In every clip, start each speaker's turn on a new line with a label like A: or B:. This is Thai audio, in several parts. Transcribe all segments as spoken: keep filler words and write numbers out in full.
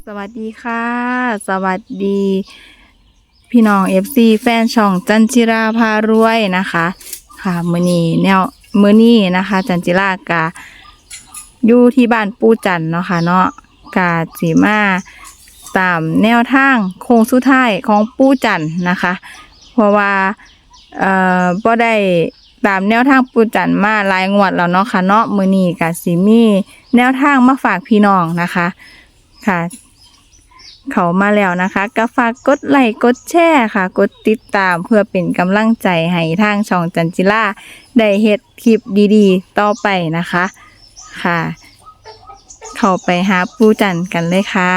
A: สวัสดีค่ะ สวัสดี พี่น้อง เอฟ ซี แฟนช่องจันจิราพารวยนะคะค่ะมื้อนี้แนวมื้อนี้นะคะ จันจิรากะอยู่ที่บ้านปู่จันเนาะค่ะเนาะกะสิมาตามแนวทางโค้งสุดท้ายของปู่จันนะคะ เพราะว่าเอ่อบ่ได้ตามแนวทางปู่จันมาหลายงวดแล้วเนาะค่ะเนาะมื้อนี้ก็สิมีแนวทางมาฝากพี่น้องนะคะค่ะ เขามาแล้วนะคะก็ฝากกดไลค์กดแชร์ค่ะ กดติดตามเพื่อเป็นกำลังใจให้ทางช่องจันจิราได้เฮ็ดคลิปดีๆ ต่อไปนะคะค่ะ เข้าไปหาปู่จันกันเลยค่ะ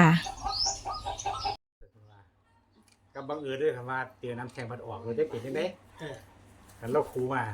B: ก็บังเอิญด้วยคำว่าเตียวน้ำแข็งพัดออกเราได้เปลี่ยนยังไงกันเราครูมา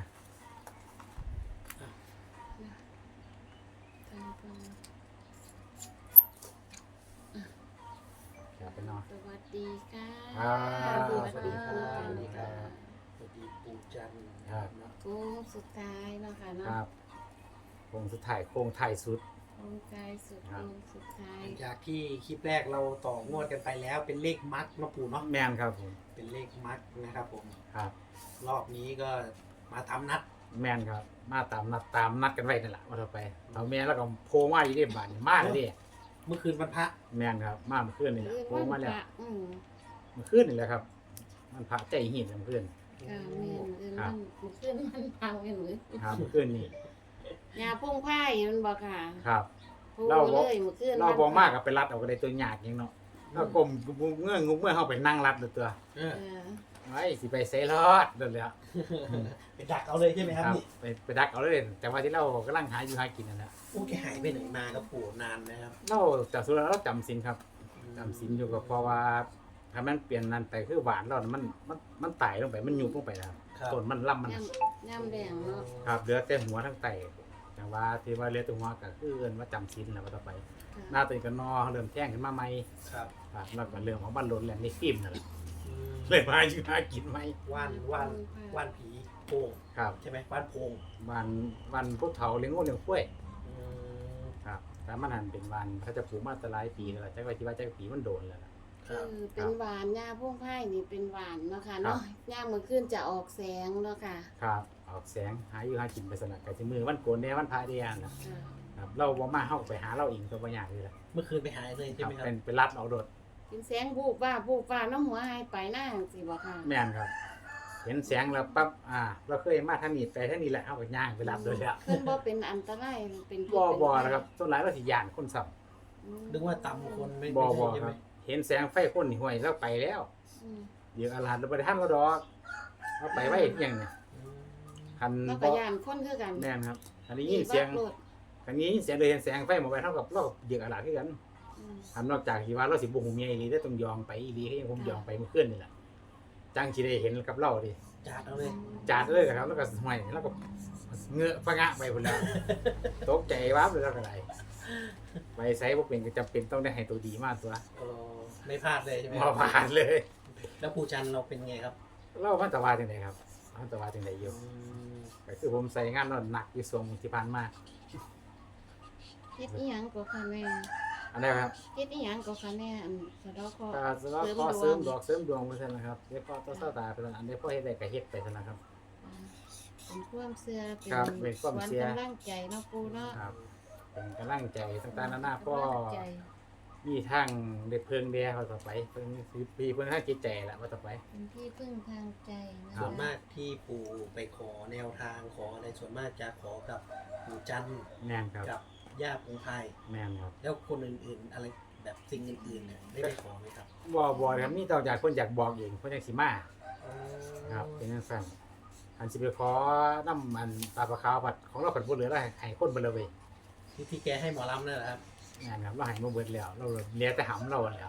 B: ครับเป็นนอน
C: สวัสดีค่ะ
B: ครับ
C: สวัสดีค่ะ
B: สวัสดีครับ
D: สวัสดีปู่จันทร์
B: ครับ
C: โค้งสุดท้ายเนาะค่ะ
B: ค
C: เนาะ
B: รับโค้งสุดท้ายโค้งไทายสุด
C: โค้งกายสุด
B: ครั
C: โค้
B: บ
C: งสุดท้า
D: ห
C: ย
D: ลังจากที่คลิปแรกเราต่องวดกันไปแล้วเป็นเลขมัดเนาะปู่เนาะ
B: แมนครับผม
D: เป็นเลขมัดนะครับผม
B: ครับ
D: รอบนี้ก็มาทำนัด
B: แมนครับ มาตามนัดตามนัดกันไว้นั่นแหละว่าเราไปเอาแมนแล้วก็โพงมาอยู่ที่บ้านนี่มาเลยดิ
D: เมื่อคืนวันพระ
B: แมนครับมาเมื่อคืนนี่แหละ
C: เรื่อง
B: โพ
C: วั
B: ง
C: น
B: มา
C: พ
B: แล้ว
C: ระอืม
B: เมื่อคืนนี่แหละครับ มันพระใจหินเมื่อคืน
C: ค่ะแม่นเรื่อง
B: ครั
C: มั
B: บ
C: นมันขึ้นมันพังกันหรือ
B: ครับเมื่อคืนนี่
C: ยาพุ่งไผ่มันบอกค่ะ
B: ครับ
C: พุ่ง
B: เราบอก
C: เลยเมื่อคืน
B: เราบอมากกับไปรัดเอาก็ได้ตัวหยาดยังเนาะแล้วกลมเงื่อนงุ้มเมื่อเข้าไปนั่งรัดเลยตัว
D: เออ
C: เออ
B: ไอ้สิไปเซรอดเดินเลยอะ
D: ไปดักเอาเลยใช่ไหมครับนี่
B: ไปไปดักเอาเลยแต่ว่าที่เรากำลังหาอยู่หากินนั่นแหละ
D: โอ้แกหายไปไหนมาครับปู่นานนะครับ
B: เราจากสุดแล้วเราจำสินครับจำสินอยู่กับเพราะว่าถ้ามันเปลี่ยนนั้นไปคือหวานเราน่ะมันมันมันไต่ลงไปมันยุบลงไปแล้ว
D: ครับ
B: ต้นมันล่ำมัน
C: ย่ำย่ำแดงเนาะ
B: ครับเหลือแต่หัวทั้งไต่แต่ว่าที่ว่าเหลือแต่หัวก็คือเอิ้นว่าจำสินแล้วว่าต่อไป
C: ค่ะ
B: หน้าตัวเองก็นอเริ่มแท่งขึ้นมาใหม่
D: ครับ
B: ครับแล้วก็เรื่องของบ้านรถแหละในฟิล์มนั่นแหละ
D: อืม
B: เลยมาอยู่หากินไหม
D: ว่านว่านว่านผีโพง
B: ครับ
D: ใช่ไหมว่านโพง
B: วันวันพุธเถาเลี้ยงงูเลี้ยงกล้วย
D: อืม
B: ครับแต่มันหันเป็นวันเขาจะปลูกมาแตหลายปีแล้วล่ะจักว่าที่ว่าจักปีมันโดนแล้วล่ะ
D: ครับ
C: คือเป็นหวานยาพุ่งไผ่นี่เป็นหวานเนาะค่ะเนาะย่าเมื่อคืนจะออกแสงเนาะค่ะ
B: ครับออกแสงหาอยู่หากินไปสนักกับที่มือวันโกนแน่วันพระเดียนนะ
C: ค่ะ
B: ครับเราบ่มาเฮาไปหาเราเองตัวบ่ยากเลยล่ะ
D: เมื่อคืนไปหายเลย
B: ค
D: ใช่
B: รับ
D: ไหมครับ
B: เป็นเป็นรัดออกโดด
C: เป็นแสงบูบว่าบูบว่าน้ำหัวหายไปหน้าสิบ่ค่ะ
B: แม่นครับ เห็นแสงแล้วปั๊บอ่า เราเคยมาทางนี้ไปทางนี้แหละเฮาก็ย่างไปรับโดยแล้ว
C: เพิ่นบ่เป็นอันตรายเป็นพิษ
B: บ่บ่
C: เป็นภัย
B: นะครับส่วนหลายเราสิย่านคนซ้ํ
C: อืม
D: นึกว่าตำคนไม่
B: บ่
D: ไม่
B: บ่
D: ใช่ใช่
B: ค
D: ไหม
B: รับ เห็นแสงไฟคนนี่ห้วยเราไปแล้ว
C: อืม
B: เดี๋ยวอาลาดเราบ่ได้ทันเราดอกเราไปไว้เพียงเนี่ย
D: อืม
B: คัน
C: แล้ว
B: บ่
C: ก็ย่านคนคือกัน
B: แม่นครับอันนี้ยินเสียง
C: บักโลด
B: อันนี้ยินเสียงเลยเห็นแสงไฟหมดไปเท่ากับเราเดือดอาลาดคือกัน
C: อืม
B: อันนอกจากที่ว่าเราสิบ่ฮู้เมียอีหลีได้ต้องยองไปอีหลีให้ผมยองไปเมื่อคืนนี่แหละจังสิได้เห็นกับเราดิ
D: จัดเอาเลย
B: จาดเลยครับแล้วก็ห้วยแล้วก็เงื้อปะงะไปพุ่นแล้วตกใจวับเลยแล้วก็ได้ไปไสบ่เป็นก็จำเป็นต้องได้ให้ตัวดีมาตัว
D: เออไม่พลาดเลยใช่ไหม
B: มาผ่านเลย
D: แล้วปู่จันทร์เราเป็นไงครับ
B: เราพันตะวาจังไดครับพันตะวาจังไดอยู่
D: อืม
B: ก็คือผมใส่งานนอนหนักอยู่ช่วงที่ผ่านมา
C: เฮ็ดอีหยังก็ค่ะแม่
B: อันนี้ครับ
C: เฮ็ดอีหยังก็ค่ะแม่อันสะเดอกคอ
B: ก็สำหรับข้อเสริมดอกเสริมดวงไปซั่นนะครับเดี๋ยวพ่อต้องเศร้าตาไปซั่นอันนี้พ่อเฮ็ดได้ก็เฮ็ดไปซั่นนะครับ
C: เป็นความเชื่อเป็น
B: ครับเป็นความเชื่อ
C: ขวัญกำลังใจเนาะปู่เนาะ
B: ครับเป็นกำลังใจต่างๆนานาพ่อ
C: กำลังใจ
B: มีทางได้เพิ่งเดียเขาต่อไปเพิ่งปีเพิ่งทางจิตใจแหละว่าต่อไป
C: เป็นที่พึ่งทางใจนะ
D: ส่วน
C: คะ
D: มากที่ปู่ไปขอแนวทางขออะไรส่วนมากจะขอกับปู่จันทร์
B: แม่นครับ
D: กับย่าปูพาย
B: แม่นครับ
D: แล้วคนอื่นๆ อะไรแบบสิ่งอื่นๆเนี่ยได้ไปขอไหมครับ
B: บ่บ่ครับมีต่อจากคนอยากบอกเองคนอยากสิมาครับเป็นจังซั่นอันสิไปขอนำอันปลาปลาขาวผัดของเราผัดบ่เหลือแล้วให้คนเบ่เลยเว้ย
D: ที่ที่แกให้หมอลำนั่นแหละครับ
B: แม่นครับเราให้มาเบิดแล้วเราเหลือแต่หำเราแล้ว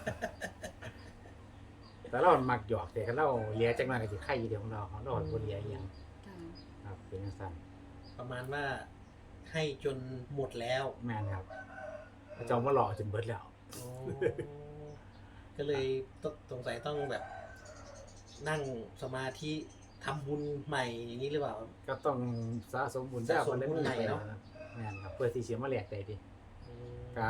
B: แต่เรามักหยอกแต่คันเราเหลือจักหน่อยก็สิไข่อยู่เดียวของเราของเราบ่เหลืออีหยัง
C: ค่ะ
B: ครับเป็นจังซั่น
D: ประมาณว่าให้จนหมดแล้ว
B: แม่นครับพระเจ้ามาหล่อจนเบิดแล้ว
D: โอ้ก็เลยต้องสงสัยต้องแบบ นั่งสมาธิทำบุญใหม่อย่างนี้หรือเปล่า
B: ก็ต้องสะสมบุญ
D: สะสม
B: ได้
D: บุญใหม่
B: ไป
D: เนาะ
B: แม่นครับเพื่อที่สิมาแลกได้ดิ
D: อืม
B: ก็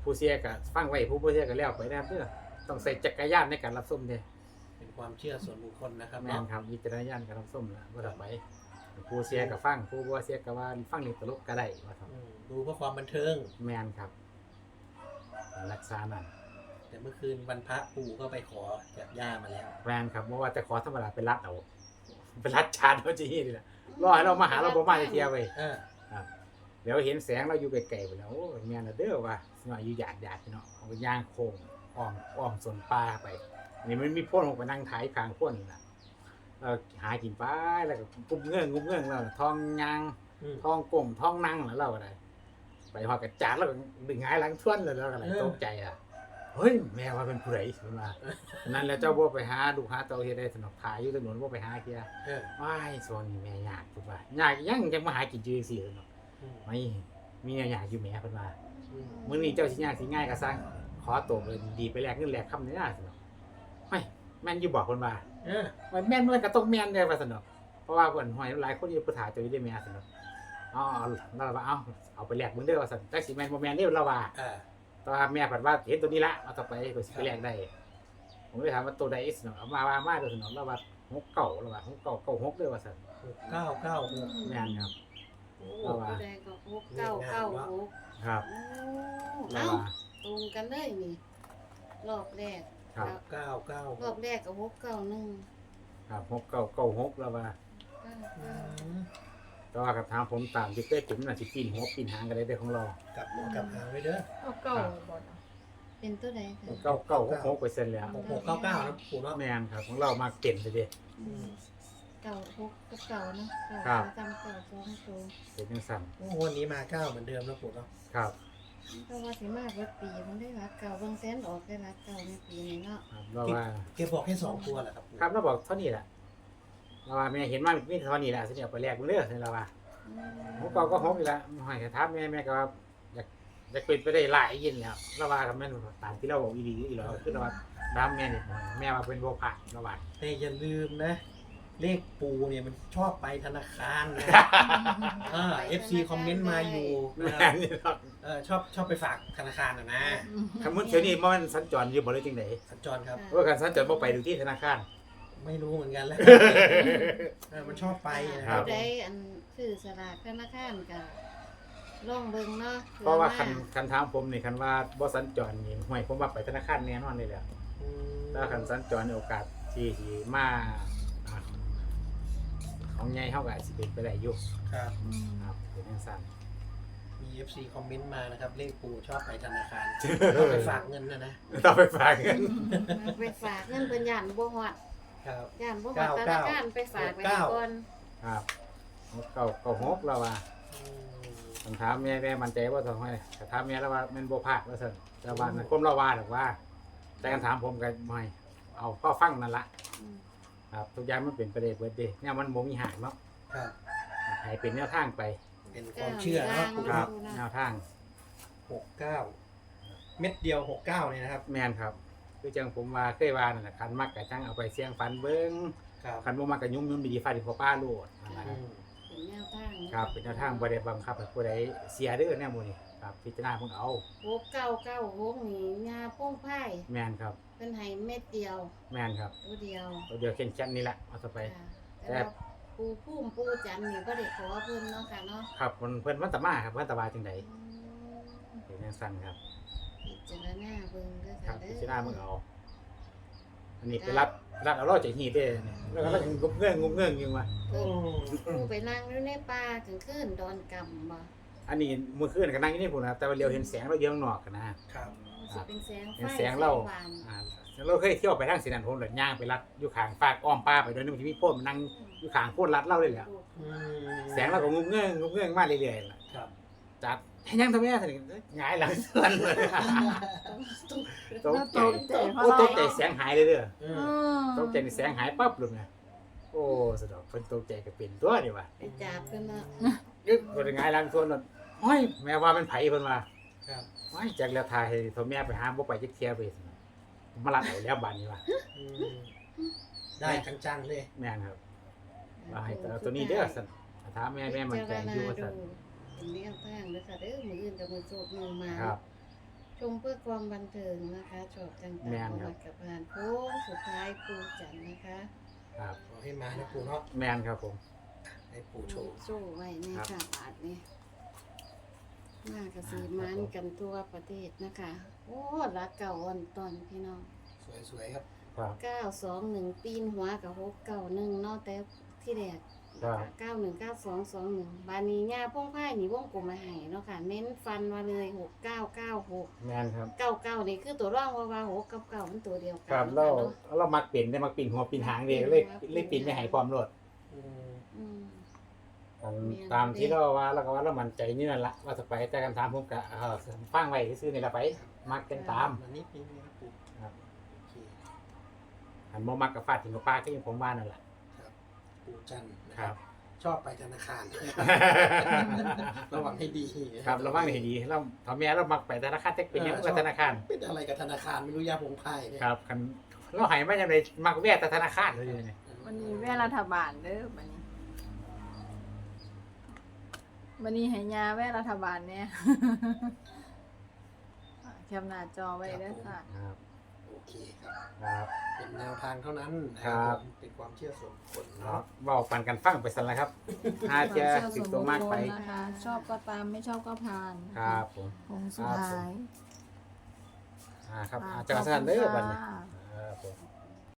B: ผู้เสียก็ฟังไว้ผู้บ่เสียก็แล้วไปนะครับเด้อต้องใส่จักรยานในการรับชมเด้
D: เป็นความเชื่อส่วนบุคคลนะครับ
B: แม่น
D: เนาะ
B: ครับวิจารณญาณการรับชมล่ะว่าต่อไปผู้เสียก็ฟังผู้บ่เสียก็ว่าฟังนี่ตลกก็ได้ว่าครับ
D: อืมดูเพื่อความบันเทิง
B: แม่นครับรักษานั่น
D: แต่เมื่อคืนวันพระปู่ก็ไปขอจากย่ามาแล้ว
B: แม่นครับบ่ว่าจะขอธรรมดาเป็นรัดเอาเป็นรัดชาดเอาจีนี่ล่ะรอให้เรามาหาเราบ่มาเที่ยวเว้ย
D: เออ
B: ครับเดี๋ยวเห็นแสงเราอยู่ไกลๆไปแล้วโอ้ยแม่นแล้วเด้อว่าสิว่าอยู่หยาดๆพี่เนาะเอาไปย่างโค้งอ้อมอ้อมสวนป่าไปนี่มันมีพ่นลงไปนั่งถ่ายกลางพ่นนี่ล่ะเราหากินไปแล้วก็กุมเงื่องกุมเงื่องแล้วท้องยาง
D: อืม
B: ท้องกลมท้องนั่งแล้วเราก็ได้ไปหอดกระจาดแล้วก็ดึงหงายหลังทวนเลยแล้วก็อะไรตกใจอ่ะเฮ้ยแม่ว่าเป็นผู้ใดมันมานั่นแหละเจ้าบ่ไปหาดูหาเตาเฮ็ดได้สนอกถ่ายอยู่ถนนบ่ไปหาเกีย
D: เออ
B: ว้ายโซนนี่แม่ยากพุ่นว่ายากยังจังมาหากินจื้อสิเนาะ
D: อืม
B: ไม่มีแนวยากอยู่แม่เพิ่นว่า
D: อืม
B: มื้อนี้เจ้าสิยากสิง่ายก็สร้างขอตัวเลยดีไปแลกเงินแลกคำนี่นะสนอกไม่แม่นอยู่บอกเพิ่นว่า
D: เออ
B: มันแม่นมันก็ต้องแม่นเด้อว่าสนอกเพราะว่าเพิ่นห้อยหลายคนอยู่ผู้ถ่ายเจ้าอยู่ได้แม่สนอกอ๋อเราว่าเอาเอาไปแลกมึงเด้อว่าซั่นจักสิแม่นบ่แม่นเด้อเราว่า
D: อ่า
B: แต่ว่าแม่เพิ่นว่าเห็นตัวนี้ละเอาต่อไปก็สิไปแลกได้ผมเลยถามว่าตัวใดสนอกเอามาว่ามาเด้อสนอกแล้วว่าหกเก้าแล้วว่าหกเก้าเก้าหกเด้อว่าซั่น
D: หกเก้าเก้าหก
B: แม่นครับ
C: โอ้ผู้ใดก็หกเก้าเก้าหก
B: ครับ
C: โอ้
B: แล้ว
C: เอ้า
B: ว่า
C: ตรงกันเลยนี่รอบแรก
B: ครับ
D: เก้าเก้าร
C: อบแรกก็หกเก้าหนึ่ง
B: ครับหกเก้าเก้าหกแล้วว่า
C: เก้า
D: อื
C: เก้าม
B: แต่ว่ากับทางผมตามที่เคยผมน่ะสิปีนหัวปีนหางกันได้เด้อของเรา
D: กลับหัวกลับหางไว้เด้อ
A: เอาเก่าบ่เนาะ
C: เป็นตัวใดคะ
B: เก้าเก้าหกหกเปอร์เซ็นต์แล้ว
D: หกหกเก้าเก้านะปู่เนาะ
B: แม่นครับของเรามาเต็มเลยเด้
C: อืมเก้าหกกับเก้าเนาะเก้า
B: ครับ
C: จำเก้าสองตัว
B: เป็นจังซั่น
D: โอ้วันนี้มาเก้าเหมือนเดิมนะปู่เนาะ
B: ครับ
C: เพราะว่าสิมากเบิดปีมันได้รักเก่าเบิ่งแสนออกได้รักเก่าในปีนี้เนาะ
B: ครับเราว่า
D: เก็บบอกแค่สองตัวแหละครับปู่
B: ครับเราบอกเท่านี้แหละเราว่าแม่เห็นว่ามีเท่านี้แหละสิเอาไปแลกมึงเด้อเราว่า
C: อืม
B: หกเก้าก็หกอีกแล้วให้ถามแม่แม่ก็ว่าอยากอยากเป็นไปได้หลายยินแล้วเราว่ากับแม่นตามที่เราบอกอีดีอีหลอคือเราว่าดามแม่นี่แม่ว่าเป็นบ่ผ่านเราว่า
D: แต่อย่าลืมนะ เลขปูเนี่ยมันชอบไปธนาคารนะอ่าเอฟซีคอมเมนต์มาอยู่นะ
B: แม่
D: ครับ
B: นี่ครับ
D: เออชอบชอบไปฝากธนาคารนะนะ
B: คำมุนเที่ยวนี้มันสัญจรอยู่บ่ได้จังได๋
D: สัญจรครับ
B: ว่าการสัญจรบ่ไปดูที่ธนาคาร
D: ไม่รู้เหมือนกันแล้วเออมันชอบไปนะค
B: ครั
D: รับ
B: บ
C: ได้อันซื้อสลากธนาคารก็ลองเบิ่งเนาะ
B: เพราะว่าคันคันถามผมนี่คันว่าบ่สัญจรนี่ห่วยผมว่าไปธนาคารแน่นอนเลยแหละ
D: อืม
B: ถ้าคันสัญจรในโอกาสที่สิมาอ่าของใหญ่เฮาก็อาจสิเป็นไปได้อยู่
D: ครับ
C: อืม
B: ครับเป็นจังซั่น
D: มี เอฟ ซี คอมเมนต์มานะครับ เลขปูชอบไปธนาคารชอบไปฝากเงินนะนะ
B: ต้องไปฝากเงิน
C: ไปฝากเงินเพิ่นย่านบ่ฮอด
D: ครับ
C: ย่านบ่ฮอด
D: เก้า
C: ธ
D: เก้า
C: นาคารไปฝากไว้
D: เก้า
C: ก่อน
B: ครับหกเก้าเก้าหกแล้วว่า
D: อืม
B: ต้องถามแม่แม่มั่นใจว่าต้องให้แต่ถามแม่แล้วว่าแม่นบ่พลาดว่าซั่นแต่ว่านั่นผมเราว่าดอกว่า แต่คันถามผมก็บ่ให้เอาพ่อฟังนั่นล่ะ
C: อืม
B: ครับทุกอย่างมันเป็นไปได้เบิดเด้เนี่ยมันบ่มีหางเนาะ
D: ครับ
B: ให้เป็นแนวทางไป
D: เป็นความเชื่อเนาะปู
B: ครับ
D: เนาะ
B: แนวทาง
D: หกเก้าเม็ดเดียวหกเก้าเนี่ยนะครับ
B: แม่นครับคือจังผมว่าเคยว่านั่นแหละคันมักก็จังเอาไปเสี่ยงฝันเบิ่ง
D: ครับ
B: คันบ่มักก็ยุ่มยุ่มดีๆฟาดที่พ่อป้าโลดนั่นแหละ
D: อืม
C: เป็นแนวทางเนาะ
B: ครับเป็นแนวทางบ่ได้บังคับให้ผู้ใดเสียเด้อแนวหมู่นี้ครับพิจารณาเพิ่นเอา
C: หกเก้าเก้าหกนี่ยาโป้งไผ่
B: แม่นครับ
C: เป็นให้เม็ดเดียว
B: แม่นครับ
C: ตัวเดียว
B: ตัวเดียวแค่นๆนี่แหละเอาต่อไป
C: ค่ะแต่ว่าปูพุ่มปูจันทร์นี่บ่ได้ขอเพิ่นเนาะค่ะเนาะ
B: ครับเพิ่นเพิ่นวันตะมาครับวันตะบาจังได
C: อืม
B: เป็นจังซั่นครับ
C: พิจารณาเบิ่งเด้อ
B: ครั
C: ค่ะ
B: บ
C: เด้
B: พิ
C: อ
B: จารณาเบิ่งเอา อันนี้ไปรับรับเอารอดจากหีบเด้นี่แล้วก็แล้วก็งุบเงื่องงุบเงื่องอยู่ว่า
C: เพิ่นปูไปนั่งอยู่ในป่ากลางคืนดอนกำบ่
B: อันนี้มื้อคืนก็นั่งอยู่นี่พุ่นนะแต่ว่าเลียวเห็นแสงเราเดียวข้างนอกกันนะครับ
C: สิเป็นแสงไฟ
B: เห็นแสงเรา
C: หวาน
B: อ่าเราเคยเที่ยวไปทางสินันผมเลยย่างไปรัดอยู่ข้างฟากอ้อมป้าไปโดยนึงที่มีโพดมันนั่งอยู่ข้างโพดรัดเล่าเลยแหละ
D: อืม
B: แสงเราก็งุบเงื่องงุบเงื่องมาเรื่อยๆล่ะ
D: ครับ
B: จัดให้ยังทำไมถึงหงายหลังเตือนเลยตกใจ
A: ตกใจเพราะ
B: โอ้
A: อะไร
B: ตกใจแสงหายเลยเด้อ
D: อื
A: อื
D: ม
A: ม
B: ตกใจนี่แสงหายปั๊บเลยนะโอ้สะดอกเพิ่นตกใจก็เป็นตัวนี่ว่ะ
C: ไปจับเพิ่นเนาะ
B: ยึดบ่ได้หงายหลังส่วนนั้นโอ้ยแม่ว่ามันไผเพิ่นว่า
D: ครับ
B: โอ้ยจักแล้วทายให้โทรแม่ไปหาบ่ไปจักเที่ยไปซั่นมาลัดเอาแล้วบัดนี้ว่ะ
D: อืมได้จังๆเลย
B: แม่นครับว่าให้เอาตัวนี้เด้อซั่นถามแม่แม่มันใจอยู่ว่าซั่น
C: เป็นแนวทางเด้อค่ะเด้อมื้ออื่นกับมื้อโชคมื้อมา
B: ครับ
C: ชชมเพื่อความบันเทิงนะคะชอบต่าง
B: แม่
C: ๆ
B: น
C: ประ
B: ครั
C: วั
B: บ
C: ติกับงานโค้งสุดท้ายปูจันทร์นะคะ
B: ครับ
D: ขอให้มานะปู่เนาะ
B: แมนครับผม
D: ให้ปู่โชว์
C: โซ่ไว้ใน
B: ครับ
C: ค่ะบาทนี่มากระสีมันกันทั่วประเทศนะคะ โอ้รักเก่าอ่อนตอนพี่น้อง
D: สวยๆครับ
B: ครับ
C: เก้าสองหนึ่งปีนหัวกับหกเก้าหนึ่งเนาะแต่ที่แรก
B: ครับ
C: เก้าหนึ่งเก้าสองสองหนึ่งบานีย่าพ่งไพ่นี่วงกลมมาให้เนาะค่ะ เน้นฟันมาเลยหกเก้าเก้าหก
B: แมนครับ
C: เก้าเก้านี่คือตัวร่องว่าว่าหกกับเก้ามันตัวเดียวกั
B: ครับ
C: น
B: เรา
C: เนาะ
B: เรามักปิ่นได้มักปิ่นหัวปิ่นหางเดีเลยเลยปิ่นไม่ใหายความรด
D: อืม
C: อืม
B: อัน
C: แม่น
B: ตามที่เราว่าเราก็ว่าเรามั่นใจนี่นั่นละว่าจะไปแต่กันถามผมกะเออฟังไว้ซื้อนี่ละไป มักกันตาม
D: มานิดนึงนะครับปู่
B: ครับ
D: โอเค
B: อันโมมักกับฟาดถึงกับป้าก็ยังผมว่านั่นแหละ
D: ครับปู่จันทร์นะ
B: ค
D: ค
B: รั
D: รับ บ ชอบไปธนาคาร ระวังให้ดี
B: ครับระวังให้ดีเราทำแม่เรามักไปธนาคารเทคเป็นยังกับธนาคาร
D: เป็นอะไรกับธนาคารไม่รู้ยาผงไพ่เนี่ย
B: ครับคันเราใหายไม่ยังไงมักแวะแต่ธนาคารเลยเนี่ย
A: วันนี้แว่รัฐบาลเด้อวันนี้วันนี้ให้ยาแว่รัฐบาลเนี่ย แคปหน้าจอไว้เด้อค่ะ
B: ครับ
D: โอเคครับ
B: ครับ
D: เป็นแนวทางเท่านั้นนะ
B: ค
D: ค
B: รั
D: รับ ผมเป็นความเชื่อส่วนบุคคล
B: เนาะ
D: เนาะ
B: เว้าปันกันฟังไปสั่นละครับอาจจะติดตัวมากไป
A: นะคะ ชอบก็ตามไม่ชอบก็ผ่าน
B: ครับผม
A: ผงสุดท้าย
B: อ่าครับ
A: อ่า
B: อาจจะสั่นเด้อบัดนี้
A: ขอบคุณค่ะ
B: ครับผม